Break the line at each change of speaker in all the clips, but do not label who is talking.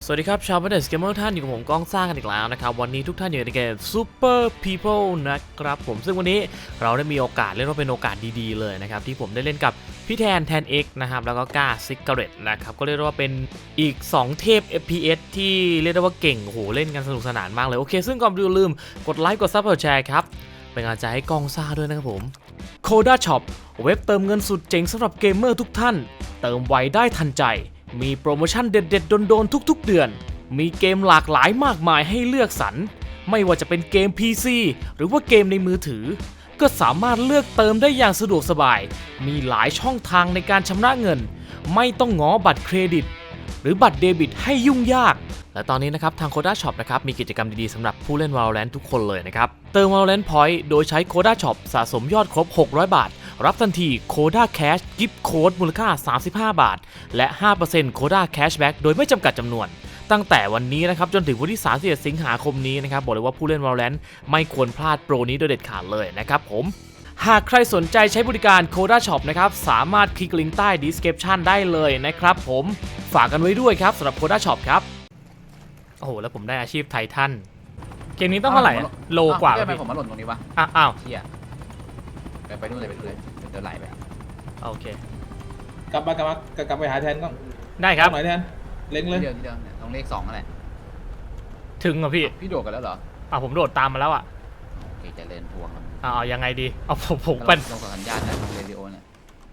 สวัสดีครับชาวเบเดสเกมเมอร์ท่านอยู่กับผมก้องซ่ากันอีกแล้วนะครับวันนี้ทุกท่านอยู่ในเกม Super People นะครับผมซึ่งวันนี้เราได้มีโอกาสเรียกว่าเป็นโอกาสดีๆเลยนะครับที่ผมได้เล่นกับพี่แทน X นะครับแล้วก็ก้าซิกเกอร์เรตนะครับก็เรียกว่าเป็นอีก2เทพ FPS ที่เรียกได้ว่าเก่งโอ้โหเล่นกันสนุกสนานมากเลยโอเคซึ่งก่อนอื่นลืมกดไลค์กดซับกดแชร์ครับเป็นกำลังใจให้ก้องซ่าด้วยนะครับผม Coda Shop เว็บเติมเงินสุดเจ๋งสำหรับเกมเมอร์ทุกท่านเติมไวได้ทันใจมีโปรโมชั่นเด็ดๆโดนๆทุกๆเดือนมีเกมหลากหลายมากมายให้เลือกสรรไม่ว่าจะเป็นเกม PC หรือว่าเกมในมือถือก็สามารถเลือกเติมได้อย่างสะดวกสบายมีหลายช่องทางในการชำระเงินไม่ต้องง้อบัตรเครดิตหรือบัตรเดบิตให้ยุ่งยากและตอนนี้นะครับทาง Coda Shop นะครับมีกิจกรรมดีๆสำหรับผู้เล่น Valorant ทุกคนเลยนะครับเติม Valorant Point โดยใช้ Coda Shop สะสมยอดครบ600 บาทรับทันที Coda Cash Gift Code มูลค่า35 บาทและ 5% Coda Cashback โดยไม่จำกัดจำนวนตั้งแต่วันนี้นะครับจนถึงวันที่31สิงหาคมนี้นะครับบอกเลยว่าผู้เล่น Valorant ไม่ควรพลาดโปรนี้โดยเด็ดขาดเลยนะครับผมหากใครสนใจใช้บริการ Coda Shop นะครับสามารถคลิกลิงก์ใต้ description ได้เลยนะครับผมฝากกันไว้ด้วยครับสำหรับ Coda Shop ครับโอ้โหแล้วผมได้อาชีพไททันเกมนี้ต้องเท่าไหร่โลกว่า
ทำไมผมมาหล่นตรงนี้วะ
อ้าว
เที่ยไปนู่นเลยเดินไหลไป
โอเค
กลับไปหาแทนก็
ได้ครับ
หน่อยแทนเล็งเลย
เดียวเนี่ยตรงเลข2นั่นแหละ
ถึงเหรอพี่
พี่โดดกันแล้วเหรอ
ผมโดดตามมาแล้วอ่ะ
โอเคจะเล่นพวงครับ
ยังไงดีผมเป็น
ลงสัญญาณนะลงเรดิโอเนี่ย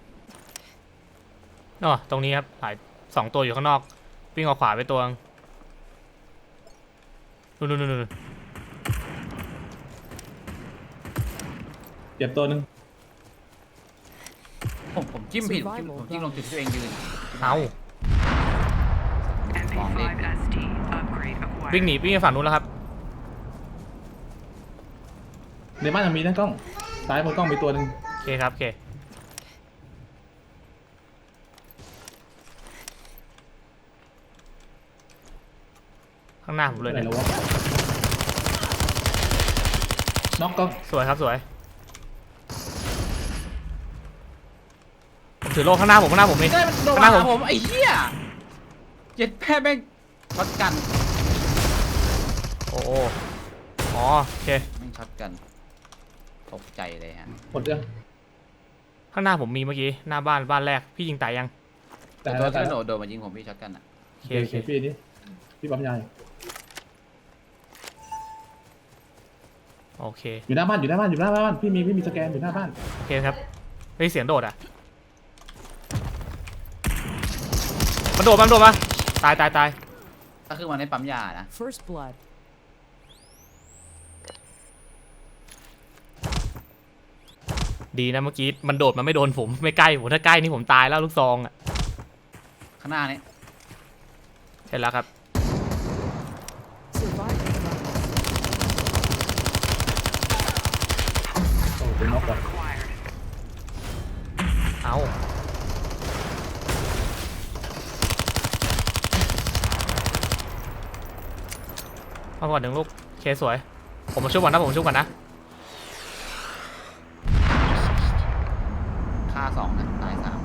ตรงนี้ครับหลาย2ตัวอยู่ข้างนอกวิ่งออกขวาไปตัวนู่น
เก็บตัวหนึ่ง
ผมจิ้มผิดผมจิ้มลงจุดที่ตัวเองยืน
เอา
มองเลข
วิ่งหนีวิ่งไปฝั่งนู้นแล้วครับ
ในบ้านยังมีนะกล้องซ้ายบนกล้องมีตัวหนึ่ง
โอเคครับโอเคข้างหน้าผมเลย
ไหน
เนี่ย
แล้ววะน็อกกล้อง
สวยครับสวยผมถือโล่ข้างหน้าผมนี่
ได้มันโดนมาหาผมไอ้เหี้ยเจ็ดแพ้แม่งช็อตกัน
โอ้โอเค
แม่งช็อตกันตกใจเลยฮะ
หมดยัง
ข้างหน้าผมมีเมื่อกี้หน้าบ้านแรกพี่ยิงตายยัง
แต่
ตัว
แต่
ที่โดดมายิงผมพี่ช็อตกันอ่ะ
โอเค
โอเคพี่นี่พี่ปั๊มยา
โอเค
อยู่หน้าบ้านพี่มีสแกนอยู่หน้าบ้าน
โอเคครับได้เสียงโดดอ่ะมันโดดมาตาย
ก็คือมันในปั๊มยานะ
First blood.
ดีนะเมื่อกี้มันโดดมาไม่โดนผมไม่ใกล้ผมถ้าใกล้นี่ผมตายแล้วลูกซองอ่ะ
ข้างหน้านี้
เห็นแล้วครับ
Survivor.
โอ้เป็นน็อกก่อน
เอาก่อนหนึ่งลูกเคสวยผมมาช่วยก่อนนะ
ฆ่า2นะตาย3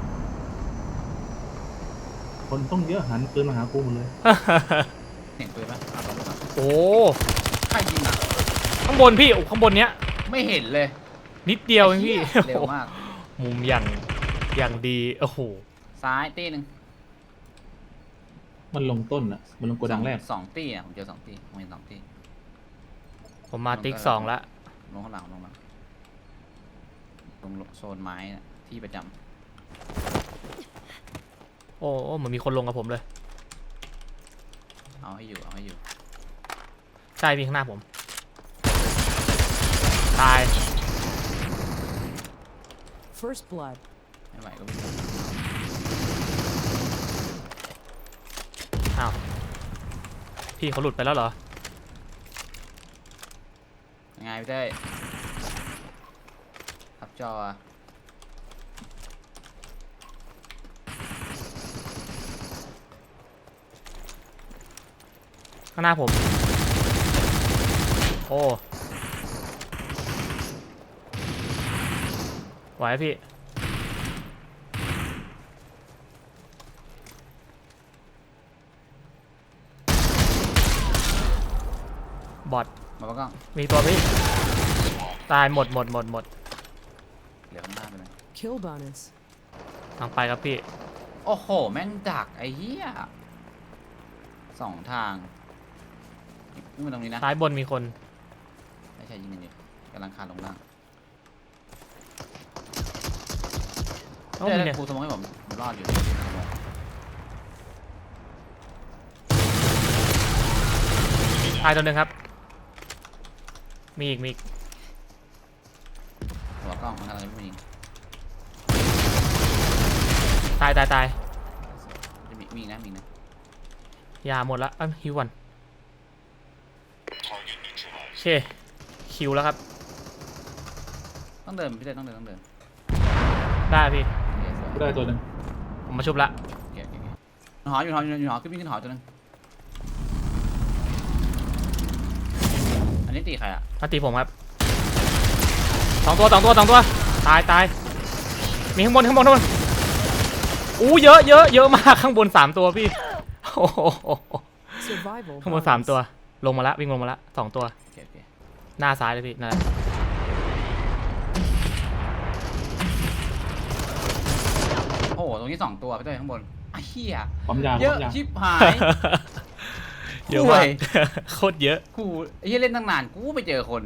คนต้องเยอะหันปืนมาหากูหมดเลย
เห็นปืนปะเอาตัวมา
โอ้
ใครยิงอ่ะ
ข้างบนพี่ข้างบนเนี้ย
ไม่เห็นเลย
นิดเดียวเองพี่
เร็วมาก
มุมอย่างดีโอ้โห
ซ้ายตีหนึ่ง
มันลงต้นอ่ะมันลงโกดังแรก
2ตีอ่ะผมเจอ2ตีผมเห็น2ตี
ผมมาติ๊ก2ละ
ลงข้างหลังลงโซนไม้นะที่ประจ
โอ้เหมือนมีคนลงกับผมเลย
ำเอาให้อยู่
ใช่พี่ข้างหน้าผมตาย
First blood.
ไม่ไหวก็วิ่ง
อ้าวพี่เขาหลุดไปแล้วเหรอ
ยังไงพี่เต้ทับจอ
ข้างหน้าผมโอ้ไหวพี่
เ
บอท
มาปะกล้อง
มีตัวพี่ตายหมด
เหลือข้างหน้าไปเลย
Kill bonus.
ทางไปครับพี่
โอ้โหแม่งดักไอ้เหี้ยสองทางนี่มันตรงนี้นะ
ซ้ายบนมีคน
ไม่ใช่ยิงกันอยู่กำลังคานลงล่าง
เอ้า
เดี๋
มี
ยว
เนี่ย
ครูสมองให้ผมรอดอยู่
ตายตัวหนึ่งครับมีอีก
หัวกล้องมันกำลังจะไม่ยิง
ตาย
จะมีนะ
ยาหมดละฮิวก่อนโอเคคิวแล้วครับ
ต้องเดินพี่เต้ต้องเดิน
ได้พี่
โอเคสวย
ได้ตัวหนึ่ง
ผมมาชุบละ
โอเคหออยู่ขึ้นวิ่งขึ้นหอตัวนึงอันนี้ตีใครอ่ะ
มาตีผมครับสองตัวตายมีข้างบนอู้เยอะมากข้างบน3ตัวพี่โอ้โห
Survival
ข้างบน
bonus.
3ตัวลงมาละวิ่งลงมาละ2ตัว
โอเค
หน้าซ้ายเลยพี่นั่นแหละ
โอ้โหตรงนี้2ตัวพี่เต้ข้างบนไอ้เหี้ย
ปั๊มยา
เยอะ
ปั๊มยา
ชิบหาย
เยอะมากโคตรเยอะ
กูไอ้เหี้ยเล่นตั้งนานกูไปเจอคน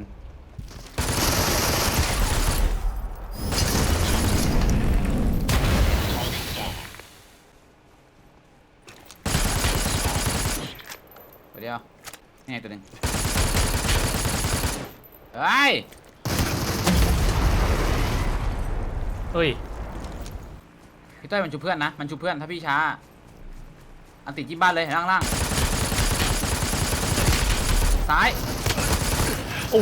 เดี๋ยวนี่ไงตัวหนึงเฮ้ย
เฮ้ย
พี่เต้ยมันชูเพื่อนนะมันชูเพื่อนถ้าพี่ช้าอันติดที่บ้านเลยล่างซ้าย
โอ้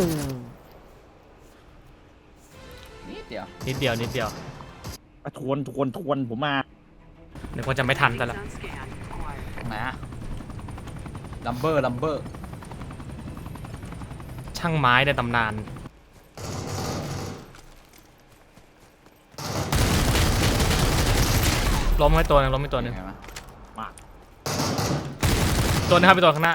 นิดเดียว
นิดเดียว
ทวนผมมา
นึกว่าจะไม่ทันแต่ละ
ตรงไหนอะลัมเบอร์
ช่างไม้ในตำนานล้มให้ตัวหนึง
ไงวะ
ตัวหนึงครับไปตัวข้างหน้า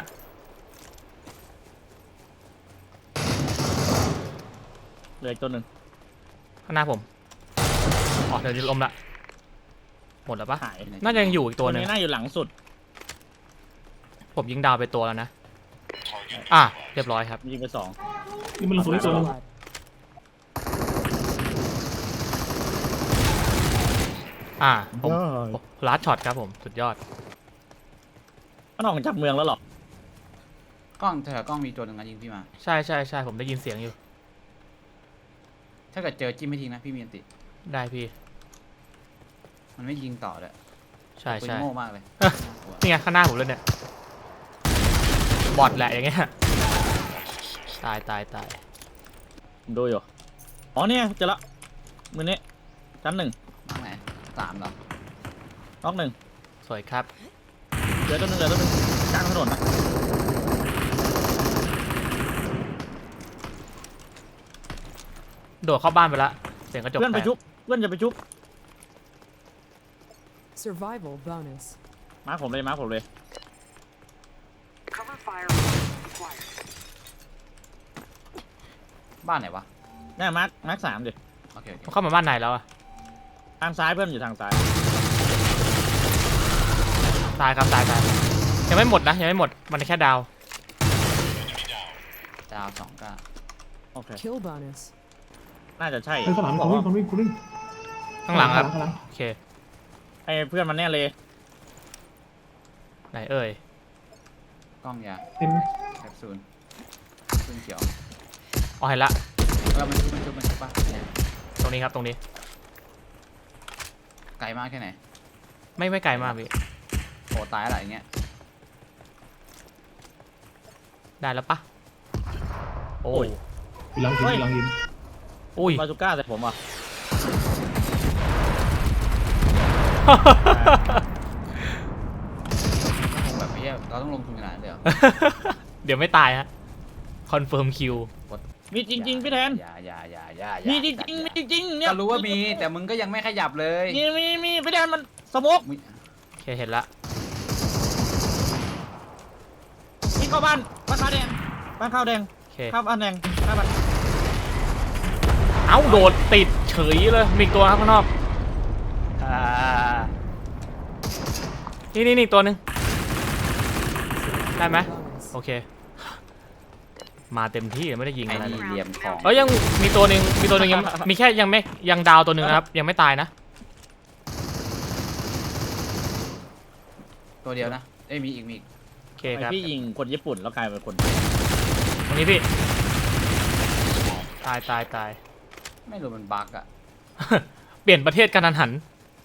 เหลืออีกตัวหนึ่ง
ข้างหน้าผมอ๋อเดี๋ยวจะล้มละหมดแล้วปะ
หาย
น่าจะยังอยู่อีกตัวหนึง
นี้น่าอยู่หลังสุด
ผมยิงดาวไปตัวแล้วนะอ่ะเรียบร้อยครับ
ยิงไป2
นี่มันลงตัวนี้ตัวหนึง
Blood.
ผมลัดช็อตครับผมสุดยอด
มันออกจากเมืองแล้วหรอก
ล้องแถวกล้องมีตัวหนึ่งนะยิงพี่มา
ใช่ผมได้ยินเสียงอยู่
ถ้าเกิดเจอจิ้มไม่ทิ้งนะพี่มีอันติ
ได้พี่
มันไม่ยิงต่อเลย
ใช่
ปืนโง่มากเลย
นี่ไงข้างหน้าผมเลยเนี่ยบอทแหละอย่างเงี้ยตาย
ผมดูอยู่อ๋อเนี่ยเจอละมือนี้ชั้น 1
มากไหน3เหรอ
น็อก
สวยครับ
1เหลือตัวหนึงกลางถนนนะ
โดดเข้าบ้านไปละเสียงกระจก
เพื่อนไป
แตก
ชุบเพื่อนจะไปชุบ
Survival bonus.
มาร์คผมเลย
บ้านไหนวะ
แน่มาร์ค3ดิ
โอเค
มันเข้ามาบ้านไหนแล้วอะ
ทางซ้ายเพื่อนอยู่ทางซ้าย
ตายครับตายยังไม่หมดนะยังไม่หมดมันแค่ดาว
ดาว2ก็
โอเค
Kill bonus.
น่าจะใช่
เฮ้ยข้างหลังคนวิ่ง
ข้างหลังครับ
ข้างหลัง
โอเค
ให้เพื่อนมันแน่เลย
ไหนเอ่ย
กล้องยา
เต็ม
แคปซูลซึ่งเขียว
อ๋อเห็นละ
มันชุบป่ะ
ตรงนี้ครับตรงนี้
ไกลมากแค่ไหน
ไม่ไกลมากพี่
โอ้ตายอะไรอย่างเงี้ย
ได้แล้วปะโอ้ย
อยู่หลังหิน
อุ้ย
บาซูก้าใส่ผมอ่ะ
คงแบบไม่ใช่เราต้องลงทุนขนาดนั้นเลยเหรอ
เดี๋ยวไม่ตายฮะคอนเฟิร์มคิว
มีจริงๆพี่แทน
อย่า
มีจริงเนี่ย
ก็รู้ว่ามีแต่มึงก็ยังไม่ขยับเลย
มีพี่แทนมันสโมก
โอเคเห็นละ
ยิงเข้าบ้านคาแดงบ้านข้าวแดง
โอเค
ข้าวบ้านแดงข้าวบ้าน
เอ้าโดดติดเฉยเลยมีอีกตัวครับข้างนอกนี่ตัวหนึ่งได้ไหม
Bonus.
โอเค มาเต็มที่ไม่ได้ยิง
ไอ้
อะไรเล
นี่
ย
เหลี่ยมของ
ยังมีตัวหนึ่งยังมีแค่ยังดาวตัวหนึ่งนะครับยังไม่ตายนะ
ตัวเดียวนะเอ้ยมีอีก
โอเคครับ
พี่ยิงคนญี่ปุ่นแล้วกลายเป็นคน
ตรงนี้พี่ตาย
ไม่รู้มันบั๊กอะ
เปลี่ยนประเทศกันทันหัน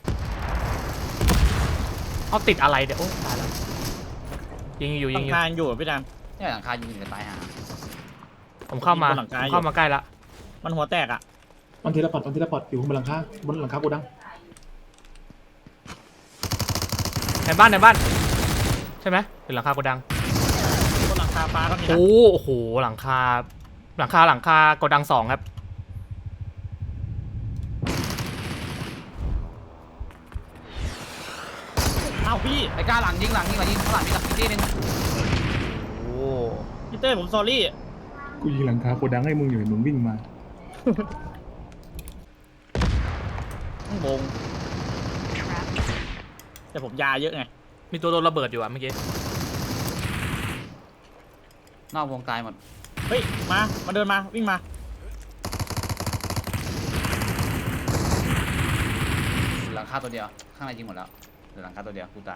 เอาติดอะไรเดี๋ยวโอ้ตายแล้วยิงอยู่
หลังคาอยู่พี่ดัง
เนี่ยหลังคายิงกันตายหา
ผมเข้ามา
ยิงบนหลังคาอยู่
เข้ามาใกล้ละ
มันหัวแตกอ่ะ
มันทีละพอดอยู่บนหลังคาโกดัง
ในบ้านใช่ไหมหรือหลังคาโกดัง
บนหลังคาฟ้าก็มีนะ
โอ้โหหลังคาโกดัง2ครับ
อ้าวพี่
ไอ้กล้าหลังยิงข้างหลังมีหลังอีกทีนึง
โอ้
พี่เต้ผมซอรี่
กูยิงหลังคาโกดังให้มึงอยู่มึงวิ่งมา
ข้างบงแต่ผมยาเยอะไง
มีตัวโดนระเบิดอยู่อะเมื่อกี้
นอกวงตายหมด
เฮ้ยมาเดินมาวิ่งมา
หลังคาตัวเดียวข้างในยิงหมดแล้วเหลือหลังคาตัวเดียวกูตาย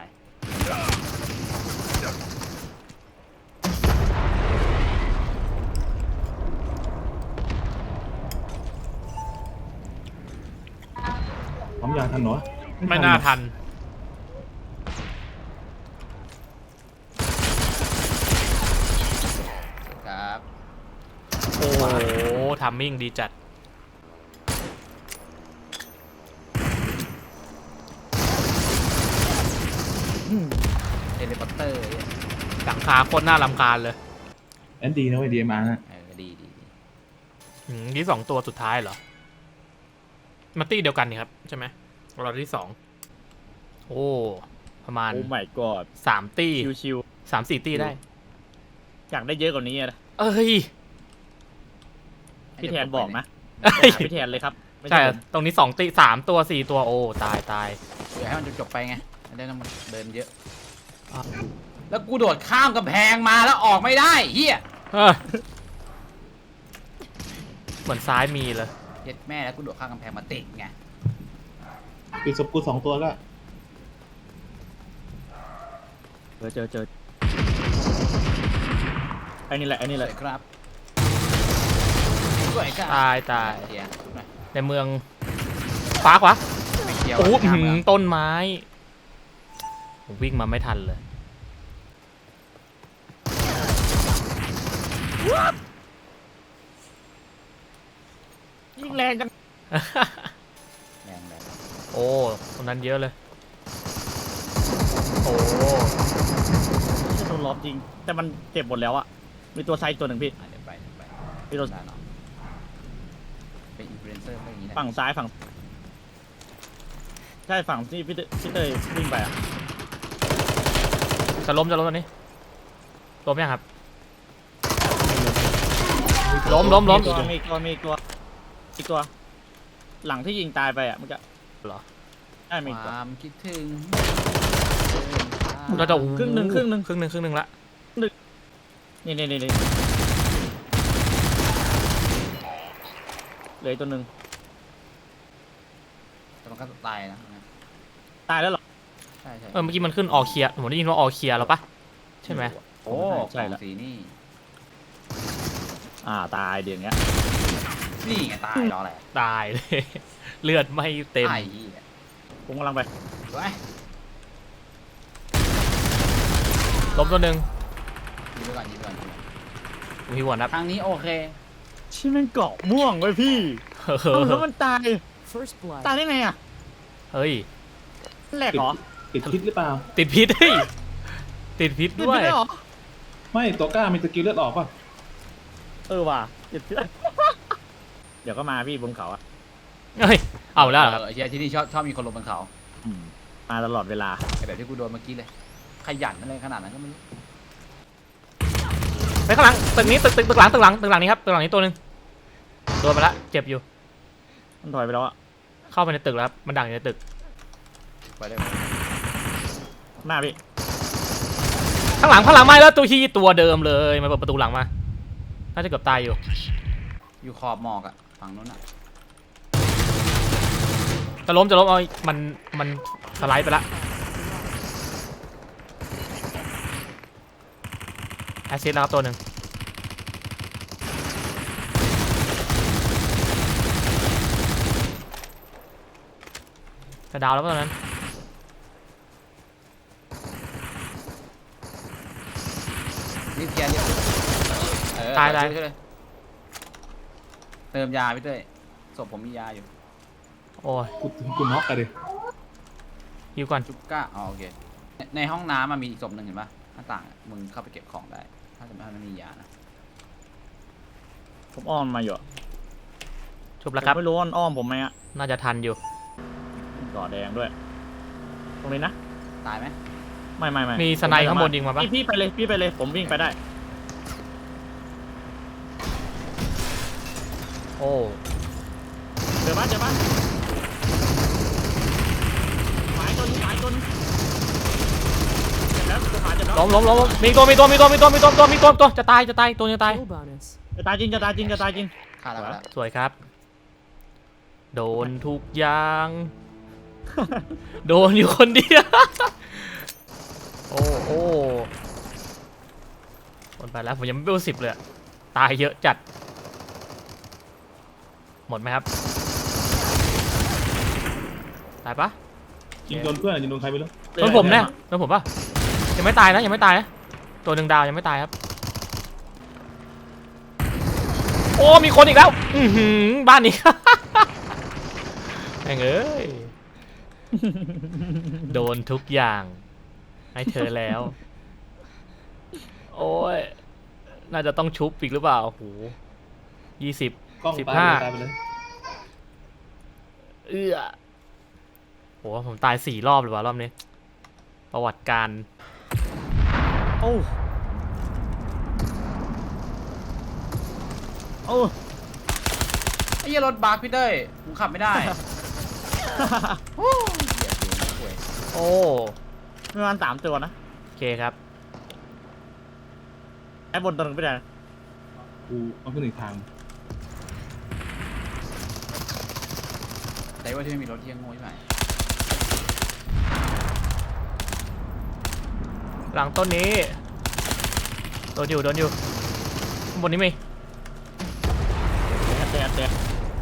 พร้อมยาทันเหรอ
ไม่น่าทัน
ครับ
โอ้โหทัมมิ่งดีจัด
เทเลพอร์เตอร์เนี่ย
หลังคาโคตรน่ารำคาญเลย
แอนดีนะเว้ย DMR นะ
ดี
ที่2ตัวสุดท้ายเหรอมาตี้เดียวกันนี่ครับใช่ไหมเราที่2โอ้ประมาณ
โอ้ my god
3 ตี้
ชิว
3-4 ตี้ได้
ๆอยากได้เยอะกว่านี้อะนะ
เอ้ย
พี่แทนบอกนะ
เอ้ย
หาพี่แทนเลยครับไม่
ใช่
ผม
ตรงนี้2 ตี้3 ตัว 4 ตัวโอ้ตาย
เดี๋ยวให้มันจบไปไงไม่ได้ต้องมาเดินเยอะ
อ่ะ
แล้วกูโดดข้ามกำแพงมาแล้วออกไม่ได้เฮีย
เออเหมือนซ้ายมีเลย
เย็ดแม่แล้วกูโดดข้ามกำแพงมาติดไง
ปิดศพกู2 ตัวแล้ว
เจอไอ้นี่แหละ
สวยครับสวยครับ
ตาย
เฮียชุบหน่อย
ในเมืองฟ้ากวะ
ไม่เกี่ยว
โอ้โห
ข้ามเมือง
ต้นไม้ผมวิ่งมาไม่ทันเลย
ยิ่งแรงจัง
แรง
โอ้ตรงนั้นเยอะเลย โอ้
จะโดนล้อมจริง แต่มันเจ็บหมดแล้วอะมีตัวไซต์ตัวหนึ่งพี่
เดี๋ยวไป
พี่ตัว
ได้เนาะเป็นอินฟลูเอนเซอร์ก็อย่างนี้นะ
ฝั่งซ้ายฝั่งใช่ฝั่งที่พี่เต้ยวิ่งไปอะ
จะล้มตอนนี้ล้มยังครับล้ม
มีอีกตัว หลังที่ยิงตายไปอะมันจะ
เหรอ
ใช่มีอีก
ค
ตัว
วามคิดถึง
เราจะ
ครึ่งหนึ่ง
ครึ่งหนึ่งละ
นี่เหลืออกตัวหนึ่ง
แต่มันก็ตายนะ
ตายแล้วเหรอ
ใช่
เมื่อกี้มันขึ้นออเคลียร์ผมได้ยินว่าออเคลียร์แล้วปะใช่ไหม
โอ้
ใช่
ของ
แล้ว
สีนี่
ตายเดี๋ยวนี้
นี่ไงตายรออะไร
ตายเลย เลือดไม่เต็ม
ตายเหี้ย
ผมกำลังไป
ไว้
ล้มตัวหนึ่ง
ยิงไปก่อน
มีหัวนับ
ทางนี้โอเค
ชิมันเกาะม่วงไว้พี่
เฮ้
แล้วมันตาย
First blood.
ตายได้ไงอะ
ย
แหลกเหรอ
ติดพิษหรือเปล่า
ติดพิษเฮ้ยติดพิษ
ติด
ด้วย
ไปได้เหรอ
ไม่ตัวกล้ามีสกิลเลือดออกป่ะ
ว่ะติดเชื้อ เดี๋ยวก็มาพี่บนเขาอะ
เฮ้ยเอาแล้วเหรอครับ
ไอ้เหี้ยที่นี่ชอบมีคนลงบนเขา
มาตลอดเวลา
ไอ้แบบที่กูโดนเมื่อกี้เลย ขยันอะไรขนาดนั้นก็ไม่รู้
ไปข้างหลังตึกนี้ตึกหลังนี้ครับตึกหลังนี้ตัวหนึ่งโดนไปละเจ็บอยู่
มันถอยไปแล้วอะ
เข้าไปในตึกแล้วครับมันดักอยู่ในตึก
ไปเลย
หน้าพี่
ข้างหลังไม่แล้วตัวฮีตัวเดิมเลยมาเปิดประตูหลังมาน่าจะเกือบตายอยู่
อยู่ขอบหมอกอะฝั่งนู้นอะ
จะล้มเอามันสไลด์ไปละแอสซิสแล้วครับตัวหนึ่งจะดาวแล้วป่ะตอนนั้น
รีบเคลียร์รีบ
ตาย
ช่วยเลยเติมยาพี่เต้ยศพผมมียาอยู่
โอ้ย
กูน็อกกันดิ
ฮิวก่อน
จุกก้าอ๋อโอเคในห้องน้ำมันมีอีกศพหนึ่งเห็นปะหน้าต่างอะมึงเข้าไปเก็บของได้ถ้าจะไม่ให้มันมียานะ
ผมอ้อมมาอยู่อะ
ชุบแล้วครับ
ผมไม่รู้ว่ามันอ้อมผมไหมอะ
น่าจะทันอยู่
ก่อแดงด้วย ตรงนี้นะ
ตายไหม
ไม่
มีสไนด์ข้างบนยิงมาปะ
พี่ไปเลยผมวิ่งไปได้
โอ้
เจอปะหมายจนเจ็บแล้วตัวขาเจ็บแล้ว
ล้มมีตัวจะตายตัวจะตาย
Kill bonus.
จะตายจริง
ฆ่าแล้ว
สวยครับ โดนทุกอย่าง โดนอยู่คนเดียว โอ้คนไปแล้วผมยังไม่เบล10เลยอะตายเยอะจัด หมดไหมครับ ตายปะ
ยิงโดนเพื่อนยิงโดนใครไม่รู้
โดนผมเนี่ยโดนผมปะยังไม่ตายนะตัวหนึ่งดาวยังไม่ตายครับ โอ้มีคนอีกแล้วบ้านนี้ แม่งเอ้ย โดนทุกอย่างให้เธอแล้ว โอ้ยน่าจะต้องชุบอีกหรือเปล่าโอ้โห20
กล้อง
15
ตายไปเลย
โหผมตาย4 รอบเลยว่ะรอบนี้ ประวัติการ
โอ้
ไอ้เหี้ยรถบัสพี่เต้ยผมขับไม่ได้โอ้ยเหี้ยเสียงห่วย
โอ้
มีประมาณ3 ตัวนะ
โอเคครับ
ไอ้บนตัวหนึงไม่ได้นะ
กูเอาขึ้นอีกทาง
แต่ว่าที่ไม่มีรถเที่ยงโง่ใช่ไหม
หลังต้นนี้โดนอยู่ข้างบนนี้มี
แตะเห็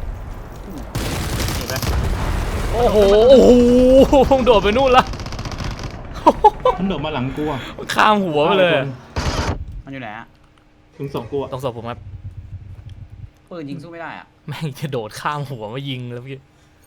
นไหม
โอ้โหโดดไปนู่นละ
มันโดดมาหลังกูอ่ะ
ข้ามหัวไปเลย
มันอยู่ไหนอะ
ถึงส่งกูอ่ะ
ตรงศพผมครับ
ปืนยิงสู้ไม่ได้อะ
แม่งจะโดดข้ามหัวมายิงแล้วพี่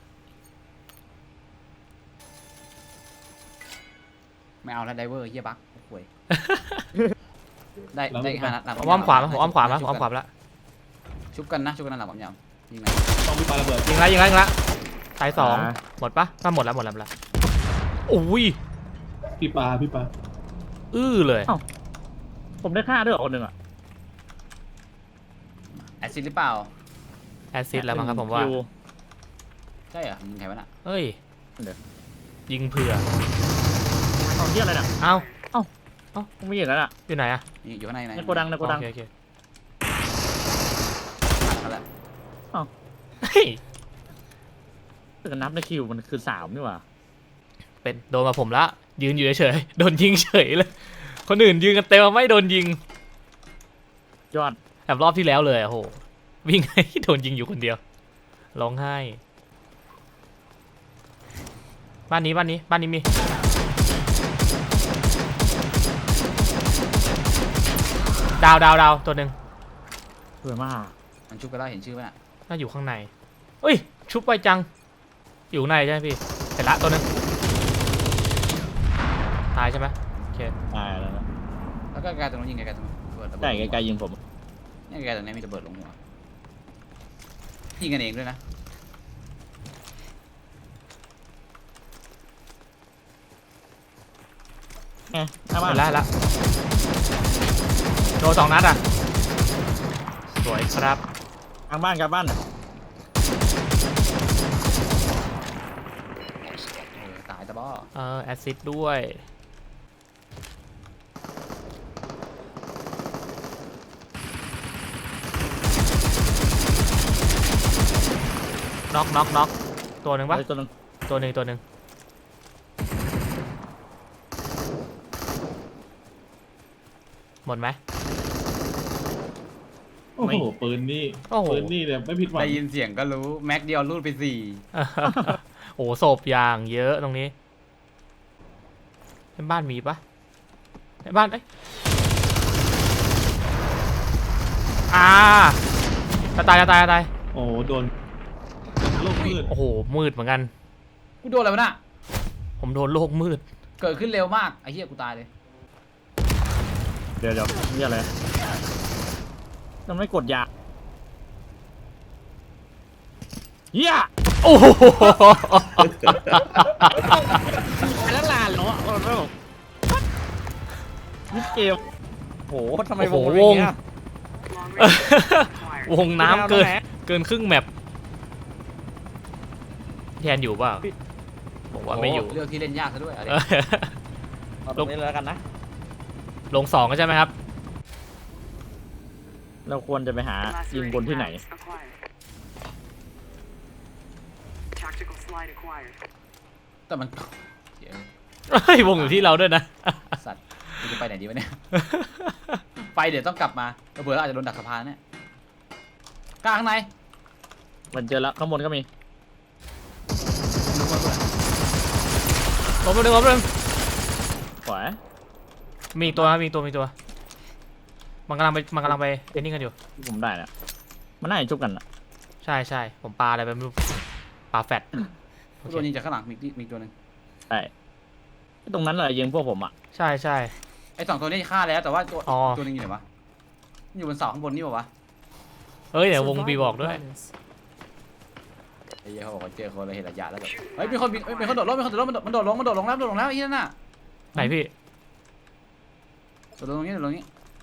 ไม่เอาแล้วไดเวอร์เหี้ยบักห่วยได้5 นัดหลัง
ผมอ้อมขวาผมอ้อมขวาแล้ว
ชุบกันนะหลังผมยาวยิงนะ
ต้องมีปาระเบิด
ยิงละตาย2หมดปะถ้าหมดแล้วโอ้ย
พี่ปา
เลย
ผมได้ฆ่าด้วยเหรอคนหนึ่งอะ
แอซิดหรือเปล่า
แอซซิดแล้วมั้งครับผมว่า
คิ
ใช่เหรอยิงใครวะน่ะ
เฮ้ย
เดี๋ยว
ยิงเผื่อ
เอาเที่ยอะไรน่ะ
เอ้า
ผมไม่เห็นแล้วน่ะ
อยู่ไหนอะ
อยู่ข้างใน
ในโกดัง
โอเค
นั่นแหละ
เฮ้ย
แต่นับในคิวมันคือ3นี่หว่า
เป็นโดนมาผมละยืนอยู่เฉยๆโดนยิงเฉยเลย คนอื่นยืนกันเต็มไม่โดนยิง
ยอด
แบบรอบที่แล้วเลยโอ้โหวิ่งให้โดนยิงอยู่คนเดียวร้องไห้บ้านนี้มีดาวตัวหนึ่ง
สวยมาก
มันชุบกันแล้วเห็นชื่อไหมน่ะ
น่าอยู่ข้างในเอ้ยชุบไปจังอยู่ข้างในใช่ไหมพี่เสร็จละตัวหนึ่งตายใช่ไหมโอเค
ตายแล้วนะ
แล้วก็ไกลตรงนู้นยิงไกลตรงนู้นระเบิด
ใช่ไกลๆยิงผม
นี่ไกลตรงนี้มีระเบิดลงหัวยิงกันเองด้วยนะ
ไงหน้าบ้าน
เสร็จแล้วโดน2 นัดอ่ะวยครับ
กลางบ้านกลางบ้าน
ตายตะบ้อ
แอซซิดด้วยน็อกตัวหนึ่งปะ
เฮ้ยตัวหนึง
ตัวหนึ่งหมดไหม
โอ้โหปืนนี่
โอ้โห
ปืนนี่เนี่ยไม่ผิดหวัง
ได้ยินเสียงก็รู้แม็กเดียวรูดไป4
โอ้โหศพอย่างเยอะตรงนี้ในบ้านมีปะในบ้านจะตาย
โอ้โหโดนโลกมืด
โอ้โหมืดเหมือนกัน
กูโดนอะไรวะน่ะ
ผมโดนโลกมืด
เกิดขึ้นเร็วมากไอ้เหี้ยกูตายเลย
เดี๋ยวนี่อะไรมันไม่กดยาเฮีย
โอ้โห
แล้วลานเหรอนี่เกมโหทำไม
โอ้
ว
โห
งเป็นอย่างเงี้ยว
งน้ำเกินครึ่งแมปแทนอยู่เปล่าบอกว่าไม่อยู่
เลือกที่เล่นยากซะด้วยอะไร
เอาตรงนี้เลยแล้วกันนะ
ลง2ใช่ไหมครับ
เราควรจะไปหายิงบนที่ไหน
Tactical slide acquired.
แต่มันเดี๋ยว
เฮ้ยวงอยู่ที่เราด้วยนะ
สัตว์กูจะไปไหนดีวะเนี่ย ไปเดี๋ยวต้องกลับมาเผื่อเราอาจจะโดนดักสะพานเนี่ยกลางข้างใน
มันเจอแล้วข้างบนก็มี
รู้มาเพื่อน
ล้มหนึ่ง
ขวา
มีตัวครับมีตัวมันกำลังไปเอ็นนิ่งกันอยู่
ที่ผมได้นะมันน่าจะชุบกันอะ
ใช่ผมปาอะไรไปไม่รู้ปาแฟดโอเค
โดนยิงจากข้างหลังมีตัวหนึ่ง
ใช่ตรงนั้นแหละยิงพวกผมอะ
ใช่
ไอ้2ตัวนี้ฆ่าแล้วแต่ว่าตัว
อ๋อ
ตัวนึงอยู่ไหนวะอยู่บนเสาข้างบนนี่ป่าวะ
เอ้ยเดี๋ยววงบี
Survival
บอกด้วย
bonus.
ไอ้เหี้ยเขาบอกว่าเจอคนเลยเห็นระยะแล้วแบบเฮ้ยมีคนโดดลงมันโดดลงแล้วไอ้เหี้ยนั่นน่ะ
ไหนพี่
โดดลงตรงนี้โดดลงนี้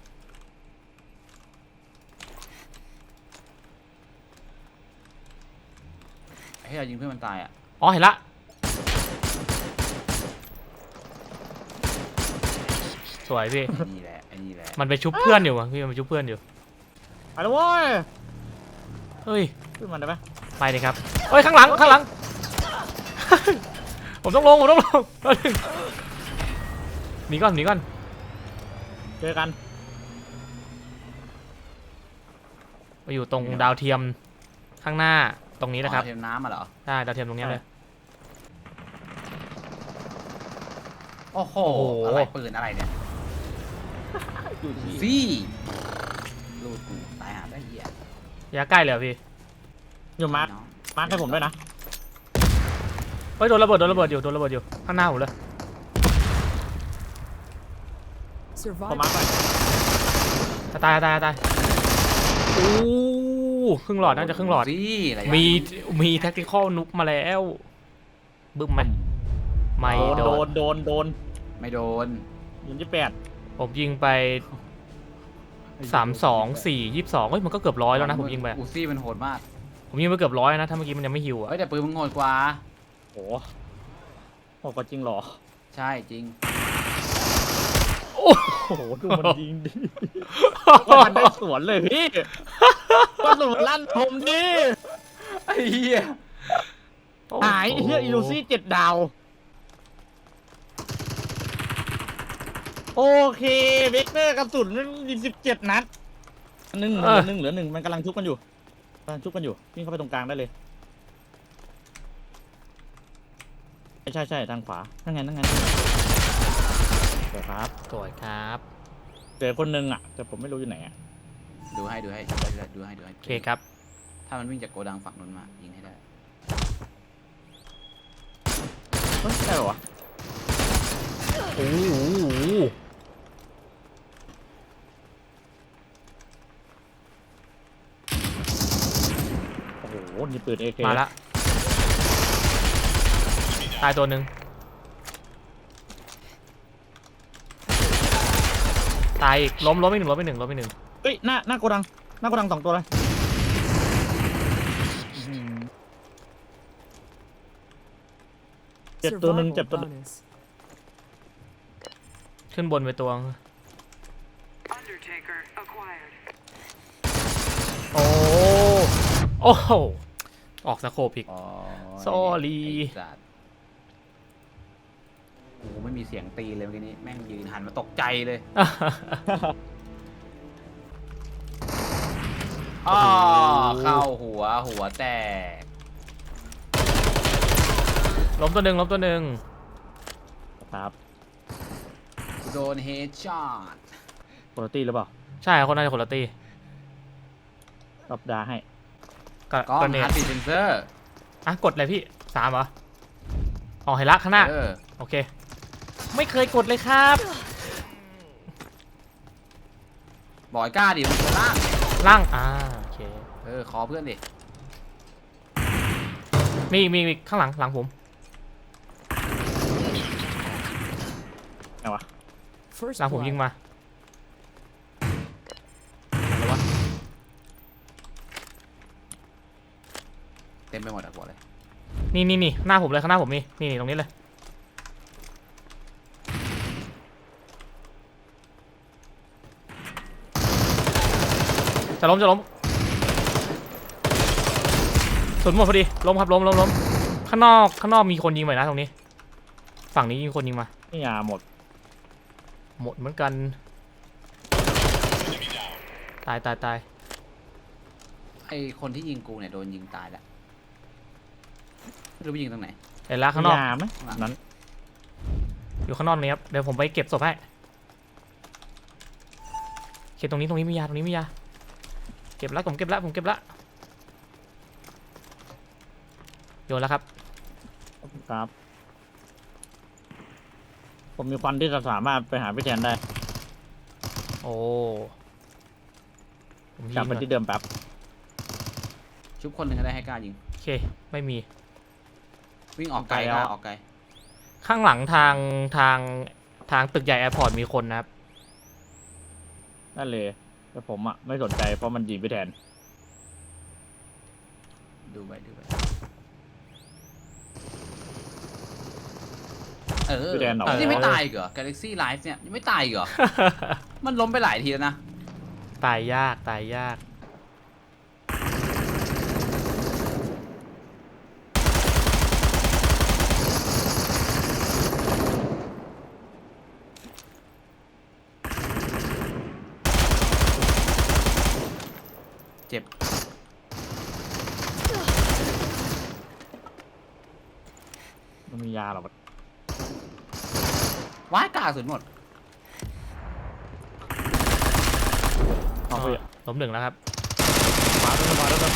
ไอ้เหี้ยยิงเพื่อนมันตายอ่ะ
อ๋อเห็นละสวยพี่
ไอ้นี่แหละไอ้นี่แหละ
มันไปชุบเพื่อนอยู่อะพี่มันไปชุบเพื่อนอยู่
ไปแล้วเว้ย
เฮ้ย
ขึ้นมาได้ไหม
ไปเลยครับเฮ้ยข้างหลัง ผมต้องลงหนีก่อน
เจอกัน
มาอยู่ตรงดาวเทียมข้างหน้าตรงนี้นะครับ
เทน้ำมาเหรอ
ใช่ดาวเทียมตรงเนี้ยเลย
โอ้โห
โอ้โห
อะไรปืนอะไรเนี่ย
อยู่ที่
ซี่ลูดกูตายหาได้เหี้ย
ระยะใกล้เลยเหรอพี่
อยู่มาร์ค
น้อง
มาร์คให้ผมด้วยนะ
เฮ้ยโดนระเบิดอยู่ข้างหน้าผมเลย
พอมาร์
Survival.
คไป
จะตายโอ้ครึ่งหลอดน่าจะครึ่งหลอด
ซี่อะไร
มีแท็กติคอลนุกมาแล้วบึ้มไหมไม่โดน
โดน
ไม่โดน
ยิงที่แปด
ผมยิงไป32 4 22เฮ้ยมันก็เกือบ100แล้วนะผมยิงไป
อูซี่มันโหดมาก
ผมยิงไปเกือบ100นะถ้าเมื่อกี้มันยังไม่ฮิวอ่ะ
เฮ้ยแต่ปืนมึงโหดกว่า
โหโหดกว่าจริงเหรอ
ใช่จริง
โอ้โหดูมันยิงดิมันได้สวนเลยพี่ก็สวนลั่นผมดิ
ไอ้เหี้ย
หายเฮียอิลูซี่7 ดาว โอเคเวกเตอร์กระสุนมันมี17 นัดเหลือหนึ่งมันกำลังชุบกันอยู่วิ่งเข้าไปตรงกลางได้เลยใช่ทางขวานั่นไงเดี๋ยวครับ
สวยครับ
เจอคนนึงอ่ะแต่ผมไม่รู้อยู่ไหนอ่ะ
ดูให้
โอเคครับ
ถ้ามันวิ่งจากโกดังฝั่งนู้นมายิงให้ได้
เฮ้ยใช่เหรอวะ
โอ้โห
โอ้โหนี่ปืน AK
มาละตายตัวหนึ่งตายอีกล้มอีกหนึ่ง
เฮ้ยหน้าโกดังน้ากระดัง2 ตัวเลยเจ็บตัวหนึ่ง
Survival
เจ็บตัวหนึ่ง
bonus.
ขึ้นบนไปตัว
Undertaker acquired.
โอ้โอ้โหออกสโคปอีก
อ๋อ
Sorry
ไอ้สัตว์โอ้โหไม่มีเสียงตีเลยเมื่อกี้นี้แม่งยืนหันมาตกใจเลยอ๋อเข้าหัวแตก
ล้มตัวหนึ่งล้มตัวหนึ่ง
ครับ
โดนเฮดช็อต
คุณตี้หรือเปล่า
ใช่คนน่าจะคนละตี
ตบดาให้
ก็
กล้อง
ก็เน
ฮา
ต
ร์ดบีทเซนเซอร์
อ่ะกดเลยพี่3เหรออ๋อเห็นละข้างหน้า โอเค ไม่เคยกดเลยครับ
บอยกล้าดิมันตัวล่าง
ล่างโอเค
ขอเพื่อนดิ
มีข้างหลังผม
ไหนวะ
First
หลังผม
blood.
ยิงมาอะไรวะ
เต็มไปหมดอะบอกเลย
นี่หน้าผมเลยข้างหน้าผมนี่ตรงนี้เลยจะล้มสุดหมดพอดีล้มครับล้มข้างนอกมีคนยิงไปนะตรงนี้ ฝั่งนี้ยิงคนยิงมา
นี่ยาหมด
หมดเหมือนกันตาย
ไอคนที่ยิงกูเนี่ยโดนยิงตายแล้วไม่รู้ไปยิงตรงไหน
เห็นละข้างนอก
ยาไหมนั้น
อยู่ข้างนอกนี้ครับเดี๋ยวผมไปเก็บศพให้เก็บตรงนี้มียาเก็บแล้วผมเก็บแล้วโยนแล้วครับ
ครับ ผมมีควันที่จะสามารถไปหาพี่แทนได้
โอ้ผม
กลับ
ยิง
ไป
ก่อน
ที่เดิมแป๊บ
ชุบคนหนึ่งก็ได้ให้กล้ายิง
โอเคไม่มี
วิ่งออกไกลกล้าออกไกล
ข้างหลังทางตึกใหญ่แอร์พอร์ตมีคนนะครับ
นั่นเลยแต่ผมอ่ะไม่สนใจเพราะมันยิงพี่แทน
ดูไป
พี่แทนเหรอ
นี่ไม่ตายอีกเหรอ Galaxy Life เนี่ยยังไม่ตายอีกเหรอ มันล้มไปหลายทีแล้วนะ
ตายยาก
เจ็บ
มันมียาหรอวะ
ว้ายกล้าสุดหมด
เอาไป
ล้มหนึ่งแล้วครับ
มาแล้ว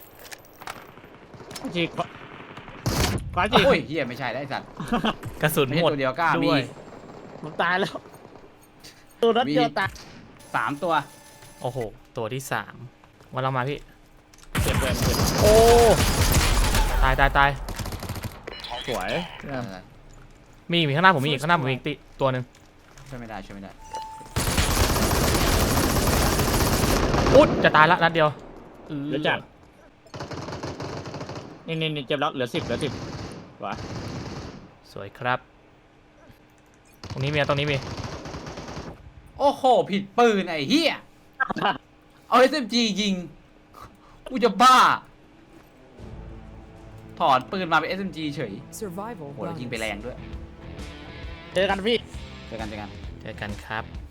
จีกขวาจีก
โอ้ยเฮียไม่ใช่ได้ไอ้สัตว์
กระสุน
ไม่ใช่
หมด
ตัวเดียวกล้ามี
ด้วย
ผมตายแล้ว ตัวนัดเดียวตาย
3 ตัว
โอ้โหตัวที่3วันเรามาพี่
เจ็บเลย
โอ้ตาย
สวย
มีข้างหน้าผมมีอีกตัวหนึ่ง
ช่วยไม่ได้
อุ๊ยจะตายละนัดเดียว
เหลือจัดนี่เจ็บแล้วเหลือ 10วะ
สวยครับ ตรงนี้มี
โอ้โห ผิดปืนไอ้เฮียเอา SMG ยิง กูจะบ้า ถอนปืนมาเป็น SMG เฉย
Survival
โหแล้วยิงไป
bonus.
แรงด้วย
เจอกันพี่
เจอกัน
เจอกันครับ